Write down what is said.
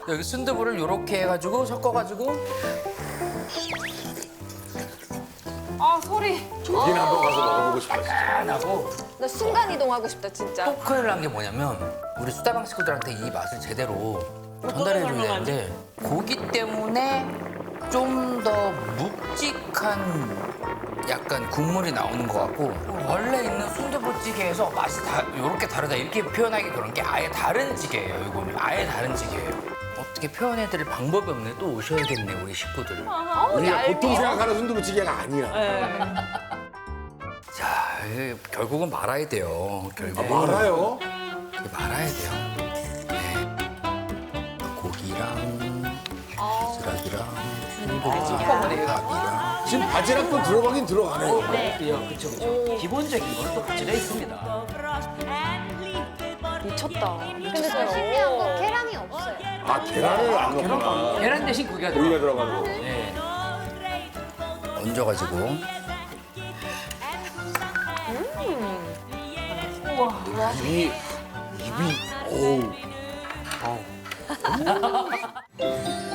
여기 순두부를 이렇게 해가지고 섞어가지고 아 소리. 저긴 한번 가서 먹어보고 싶어 진짜. 안 하고 나 순간 이동하고 싶다 진짜. 또 큰일 난 게 뭐냐면 우리 수다방 식구들한테 이 맛을 제대로 전달해줘야 되는데 고기 때문에 좀 더 묵직한 약간 국물이 나오는 것 같고 원래 있는 순두부찌개에서 맛이 이렇게 다르다 이렇게 표현하기 그런 게 아예 다른 찌개예요. 이거는 아예 다른 찌개예요. 어떻게 표현해드릴 방법이 없네. 또 오셔야겠네 우리 식구들. 우리가 보통 생각하는 순두부찌개가 아니야. 자, 이게 결국은 말아야 돼요. 결국 알아요? 이렇게 말아야 돼요. 네. 고기랑 바지락이랑 순두부찌개랑 지금 바지락도 들어가긴 들어가네요. 그쵸. 기본적인 거는 또 가지가 있습니다. 미쳤다. 근데 저 신기한 건 계란이 없어요. 아 계란을 안 넣구나. 계란 대신 고기가 고기가 들어가. 들어가는 거. 네. 얹어가지고. 입이 어우.